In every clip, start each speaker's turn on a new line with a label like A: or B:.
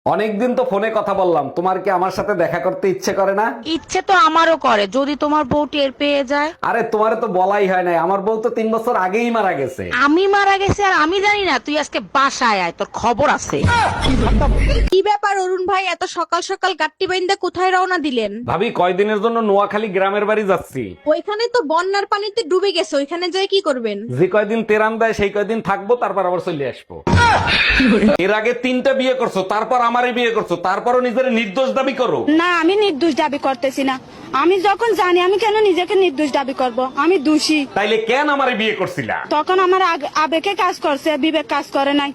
A: অনেকদিন তো ফোনে কথা বললাম, তোমার কি আমার সাথে দেখা করতে ইচ্ছে করে না?
B: ইচ্ছে তো আমারও করে, যদি তোমার বউ টের পেয়ে যায়।
A: আরে তোমারে তো বলাই হয় নাই, আমার বউ তো 3 বছর আগেই মারা গেছে।
B: আমি মারা গেছি আর আমি জানি না? তুই আজকে বাসায় আয়, তোর খবর আছে।
C: কি ব্যাপার অরুণ ভাই, এত সকাল সকাল গাট্টি বাইন্দা কোথায় রওনা দিলেন?
A: ভাবি, কয়দিনের জন্য নোয়াখালী গ্রামের বাড়ি যাচ্ছি।
C: ওইখানে তো বন্যার পানিতে ডুবে গেছে, ওইখানে যাই কি করবেন?
A: যে কয়দিন তেরান দেয় সেই কয়দিন থাকবো, তারপর আবার চলে আসবো। এর আগে 3টা বিয়ে করছো, তারপর আমারই বিয়ে করছো, তারপরও নিজের নির্দোষ দাবি করো।
D: না, আমি নির্দোষ দাবি করতেছি না। আমি যখন জানি, আমি কেন নিজেকে নির্দোষ দাবি করব? আমি দোষী।
A: তাইলে কেন আমারে বিয়ে করছিলা?
D: তখন আমার আবেগে কাজ করছে, বিবেক কাজ করে নাই।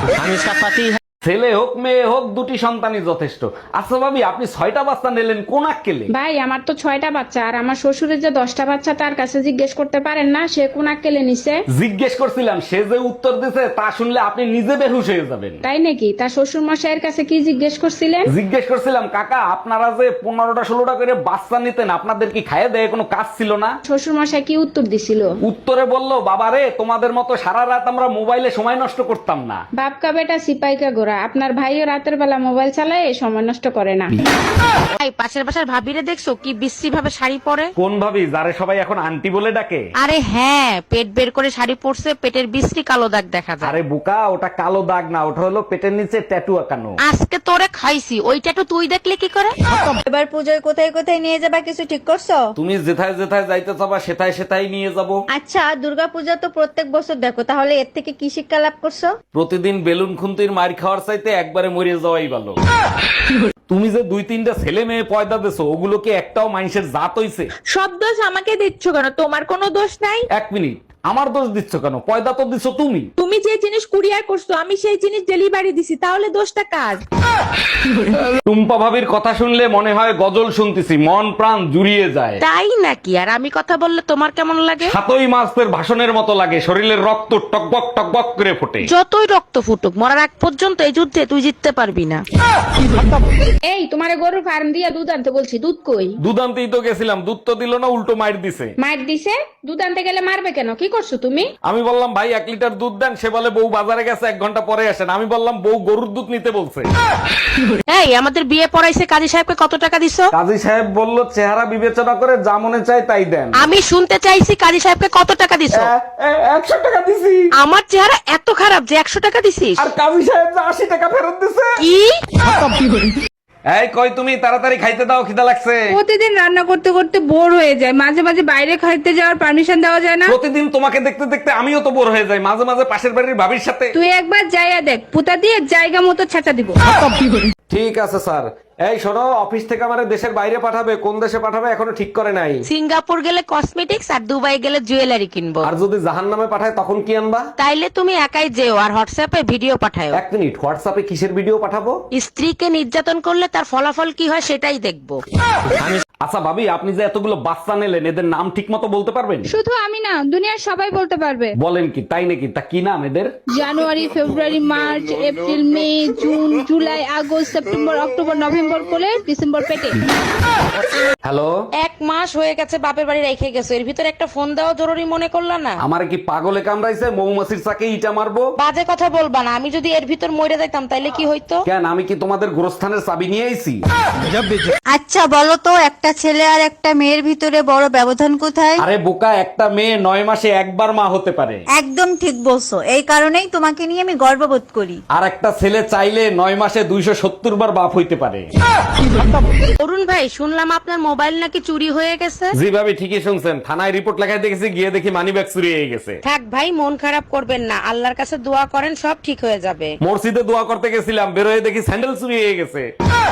A: ছেলে হোক মেয়ে হোক, দুটি সন্তানই যথেষ্ট। আচ্ছা ভাবি, আপনি 6টা বাচ্চা নিলেন কোন আক্কেলে?
E: ভাই, আমার তো 6টা বাচ্চা, আর আমার শ্বশুরের যে 10টা বাচ্চা, তার কাছে জিজ্ঞেস করতে পারেন না সে কোন আক্কেলে নিছে?
A: জিজ্ঞেস করছিলাম, সে যে উত্তর দিছে তা শুনলে আপনি নিজে বেহুশ হয়ে যাবেন।
E: তাই নাকি? তার শ্বশুর মশাইয়ের কাছে কি জিজ্ঞেস করছিলেন?
A: জিজ্ঞেস করছিলাম, কাকা আপনারা যে 15টা 16টা করে বাচ্চা নিতেন, আপনাদের কি খাইয়ে দেয় কোনো কাজ ছিল না?
E: শ্বশুর মশাই কি উত্তর দিছিল?
A: উত্তরে বললো, বাবারে তোমাদের মতো সারা রাত আমরা মোবাইলে সময় নষ্ট করতাম না।
E: বাপকা বেটা সিপাইকা গোরা, আপনার ভাইও রাতের বেলা মোবাইল চালায়, সময় নষ্ট করে না।
B: ভাই, পাশের বাসার ভাবিরে দেখছো কি বিশ্রী ভাবে শাড়ি পরে?
A: কোন ভাবি, যারে সবাই এখন আন্টি বলে ডাকে?
B: আরে হ্যাঁ, পেট বের করে শাড়ি পরছে, পেটের বিশ্রী কালো দাগ দেখা যায়।
A: আরে বোকা, ওটা কালো দাগ না, ওটা হলো পেটের নিচে ট্যাটু আঁকানো।
B: আজকে তোরে খাইছি, ওইটা তো তুই দেখলে কি করে?
C: এবার পুজোয় কোথায় কোথায় নিয়ে যাবা, কিছু ঠিক করছো?
A: তুমি যেথায় যেথায় যাইতে চাবা সেথায় সেথায় নিয়ে যাব।
C: আচ্ছা, দুর্গাপূজা তো প্রত্যেক বছর দেখো, তাহলে এর থেকে কি শিক্ষা লাভ করছো?
A: প্রতিদিন বেলুন খুন্তির মার খাওয়ার চাইতে একবারে মরে যাওয়াই ভালো। তুমি যে 2-3টা ছেলে মেয়ে পয়দা দিছো, ওগুলো কি একটাও মানুষের জাত হইছে?
C: সব দোষ আমাকে দিচ্ছ কেন? তোমার কোনো দোষ নাই।
A: 1 মিনিট, আমার দোষ দিচ্ছ কেন? পয়দা তো দিছো তুমি।
C: তুমি যে জিনিস কুরিয়ার করছো, আমি সেই জিনিস ডেলিভারি দিছি, তাহলে দোষটা কার?
A: টুম্পা ভাবির কথা শুনলে মনে হয় গজল শুনতেছি, মন প্রাণ জুড়িয়ে যায়।
B: তাই নাকি? আর আমি কথা বললে তোমার কেমন লাগে?
A: 7ই মাসের ভাষণের মতো লাগে, শরীরের রক্ত টকবক টকবক করে ফোটে।
B: যতই রক্ত ফুটুক, মরার আগ পর্যন্ত এই যুদ্ধে তুই জিততে পারবি না।
E: এই, তোমারে গরুর ফার্ম দিয়া দুধ আনতে বলছি, দুধ কই?
A: দুধ আনতেই তো গেছিলাম, দুধ তো দিল না, উল্টো মাইর দিছে।
E: মার দিছে? দুধ আনতে গেলে মারবে কেন? কি করছো তুমি?
A: আমি বললাম ভাই 1 লিটার দুধ দেন, সে বলে বউ বাজারে গেছে 1 ঘন্টা পরে আসেন। আমি বললাম বউ গরুর দুধ নিতে বলছে।
B: এই, আমাদের বিয়ে পড়াইছে কাজী সাহেবকে কত টাকা দিছো?
A: কাজী সাহেব বলল চেহারা বিবেচনা করে যা মনে চায় তাই দেন।
B: আমি শুনতে চাইছি কাজী সাহেবকে কত টাকা দিছো?
A: 100 টাকা দিছি।
B: আমার চেহারা এত খারাপ যে 100 টাকা দিছিস?
A: আর কাজী সাহেব যে 80 টাকা ফেরত দিছে।
B: কি?
A: এই কই তুমি, তাড়াতাড়ি খাইতে দাও, খিদা লাগছে।
F: প্রতিদিন রান্না করতে করতে বোর হয়ে যায়, মাঝে মাঝে বাইরে খাইতে যাওয়ার পারমিশন দেওয়া যায় না?
A: প্রতিদিন তোমাকে দেখতে দেখতে আমিও তো বোর হয়ে যাই, মাঝে মাঝে পাশের বাড়ির ভাবির সাথে।
F: তুই একবার যাইয়া দেখ, পুতা দিয়ে জায়গা মতো ছেঁচা দিব।
A: ঠিক আছে স্যার। এই শোনো, অফিস থেকে আমারে দেশের বাইরে পাঠাবে, কোন দেশে পাঠাবে এখনো ঠিক করে নাই।
B: সিঙ্গাপুর গেলে কসমেটিক্স আর দুবাই গেলে জুয়েলারি কিনবো।
A: আর যদি জাহান্নামে পাঠায় তখন কি আনবা?
B: তাইলে তুমি একাই যেও আর হোয়াটসঅ্যাপে ভিডিও পাঠাও।
A: 1 মিনিট, হোয়াটসঅ্যাপে কিসের ভিডিও পাঠাবো?
B: স্ত্রীকে নির্যাতন করলে তার ফলাফল কি হয় সেটাই দেখবো।
A: আচ্ছা ভাবি, আপনি যে এতগুলো বাচ্চা নিলেন, এদের নাম ঠিক মতো বলতে পারবেন?
F: শুধু আমি না, দুনিয়ার সবাই বলতে পারবে।
A: বলেন কি, তাই নাকি? তা কি নাম এদের?
F: January, February, March, April, May, June, July, August, September, October, November কোলে, ডিসেম্বর পেটে।
A: হ্যালো,
B: 1 মাস হয়ে গেছে বাপের বাড়ি রেখে গেছো, এর ভিতরে একটা ফোন দেওয়া জরুরি মনে করলা না?
A: আমার কি পাগলে কামড়াইছে? মৌমাছির চাকে ইটা মারবো?
B: বাজে কথা বলবা না, আমি যদি এর ভিতর মরে যাইতাম তাইলে কি হইতো?
A: কেন, আমি কি তোমাদের গোরস্থানের চাবি নিয়ে আইছি?
G: আচ্ছা বলো তো, একটা ছেলে আর একটা মেয়ের ভিতরে বড় ব্যবধান কোথায়?
A: আরে বোকা, একটা মেয়ে 9 মাসে একবার মা হতে পারে।
G: একদম ঠিক বলছো, এই কারণেই তোমাকে নিয়ে আমি গর্ববোধ করি।
A: আর একটা ছেলে চাইলে 9 মাসে 270 বার বাপ হইতে পারে।
B: অরুণ ভাই, শুনলাম আপনার মোবাইল নাকি চুরি হয়ে গেছে?
A: জি ভাবি, ঠিকই শুনছেন। থানায় রিপোর্ট লেখায় দেখেছি, গিয়ে দেখি মানিব্যাগ চুরি হয়ে গেছে।
B: থাক ভাই, মন খারাপ করবেন না, আল্লাহর কাছে দোয়া করেন, সব ঠিক হয়ে যাবে।
A: মসজিদে দোয়া করতে গেছিলাম, বেরোয় দেখি স্যান্ডেল চুরি হয়ে গেছে।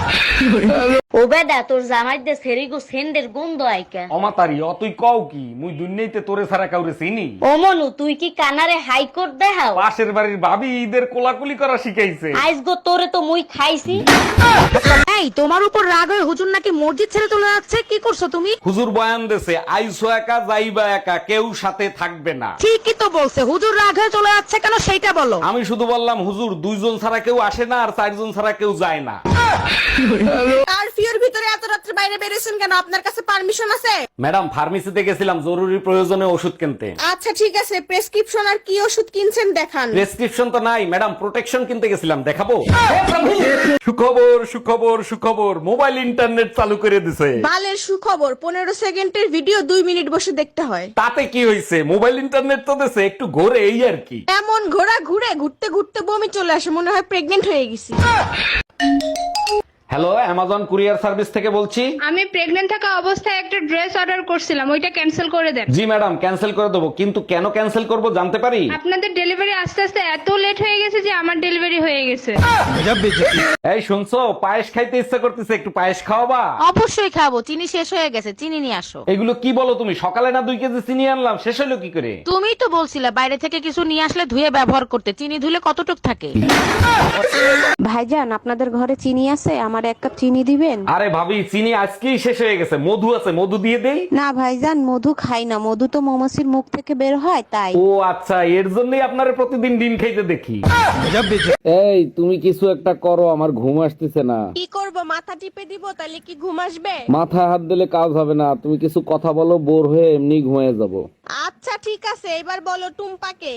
H: ও বেদা, তোর জামাইদের সেরিগো সেন্ডের গন্ধ আইকা।
A: অমাতারি, তুই কও কি? মুই দুনিয়াতে তোরে ছাড়া কাউরে চিনি?
H: ও মনু, তুই কি কানারে হাইকোর্ট দেখাও?
A: পাশের বাড়ির ভাবি ঈদের কোলাকুলি করা শিখাইছে।
H: আইস গো, তোরে তো মুই খাইছি।
B: এই, তোমার উপর রাগ হয়ে হুজুর নাকি মসজিদ ছেড়ে চলে যাচ্ছে, কি করছো তুমি?
A: হুজুর বয়ান দেছে, আইসো একা যাইবা একা, কেউ সাথে থাকবে না।
B: ঠিকই তো বলছে, হুজুর রাগ হয়ে চলে যাচ্ছে কেন সেইটা বলো।
A: আমি শুধু বললাম হুজুর 2 জন ছাড়া কেউ আসে না, আর 4 জন ছাড়া কেউ যায় না।
C: কারফিউর ভিতরে এত রাত্রে রাস্তার বাইরে বেরিয়েছেন কেন? আপনার কাছে পারমিশন আছে?
A: ম্যাডাম ফার্মেসিতে গেছিলাম জরুরি প্রয়োজনে ওষুধ কিনতে।
C: আচ্ছা ঠিক আছে, প্রেসক্রিপশন আর কি ওষুধ কিনছেন দেখান।
A: প্রেসক্রিপশন তো নাই ম্যাডাম, প্রোটেকশন কিনতে গেছিলাম, দেখাবো? সুখবর সুখবর সুখবর, মোবাইল ইন্টারনেট চালু করে দিছে।
C: বালের সুখবর, 15 সেকেন্ডের ভিডিও 2 মিনিট বসে দেখতে হয়।
A: তাতে কি হয়েছে, মোবাইল ইন্টারনেট তো দিছে, একটু ঘোরে এই আর কি।
C: এমন ঘুরতে ঘুরতে বমি চলে আসে, মনে হয় প্রেগনেন্ট হয়ে গেছি।
A: হ্যালো, অ্যামাজন কুরিয়ার সার্ভিস থেকে বলছি।
E: আমি প্রেগনেন্ট থাকা অবস্থায় একটা ড্রেস অর্ডার করছিলাম, ওইটা ক্যান্সেল করে দেন।
A: জি ম্যাডাম, ক্যান্সেল করে দেবো, কিন্তু কেন ক্যান্সেল করব জানতে পারি?
E: আপনাদের ডেলিভারি আস্তে আস্তে এত লেট হয়ে গেছে যে আমার ডেলিভারি হয়ে গেছে।
A: এই শুনছো, পায়েস খাইতে ইচ্ছা করতেছে, একটু পায়েস খাওয়াবা?
B: অবশ্যই খাবো, চিনি শেষ হয়ে গেছে, চিনি নিয়ে আসো।
A: এগুলো কি বলো তুমি? সকালে না 2 কেজি চিনি আনলাম, শেষ হলো কি করে?
B: তুমিই তো বলছিলে বাইরে থেকে কিছু নিয়ে আসলে ধুয়ে ব্যবহার করতে, চিনি ধুলে কতটুক থাকে।
F: ভাইজান আপনাদের ঘরে চিনি আছে? আমার 1 কাপ চিনি দিবেন?
A: আরে ভাবি, চিনি আজকেই শেষ হয়ে গেছে, মধু আছে, মধু দিয়ে দেই?
F: না ভাইজান, মধু খাই না, মধু তো মৌমাছির মুখ থেকে বের হয় তাই।
A: ও আচ্ছা, এর জন্যই আপনারে প্রতিদিন ডিম খাইতে দেখি। এই তুমি কিছু একটা করো, আমার ঘুম আসতেছে না।
C: কি করব, মাথা টিপে দিব তাহলে কি ঘুম আসবে?
A: মাথায় হাত দিলে কাজ হবে না, তুমি কিছু কথা বলো, বোর হয়ে এমনি ঘুমিয়ে যাব।
C: আচ্ছা ঠিক আছে, এবার বলো টুম্পাকে।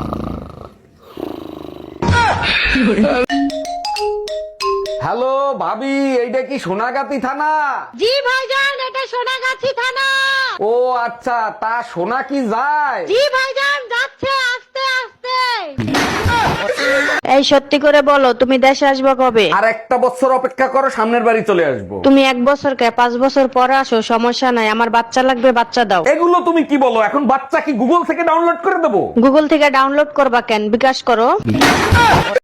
A: হ্যালো ভাবি, এইটা কি সোনাগাতি থানা?
B: জি ভাইজান, এটা সোনাগাছি থানা।
A: ও আচ্ছা, তা সোনা কি যায়?
B: জি ভাইজান, যাচ্ছে আস্তে আস্তে।
D: এই সত্যি করে বলো, তুমি দেশে আসবে কবে?
A: আর একটা বছর অপেক্ষা করো, সামনের বাড়ি চলে আসবো।
D: তুমি 1 বছর কে 5 বছর পরে আসো, সমস্যা নাই, আমার বাচ্চা লাগবে, বাচ্চা দাও।
A: এগুলো তুমি কি বলো? এখন বাচ্চা কি গুগল থেকে ডাউনলোড করে দেবো?
D: গুগল থেকে ডাউনলোড করবা কেন, বিকাশ করো।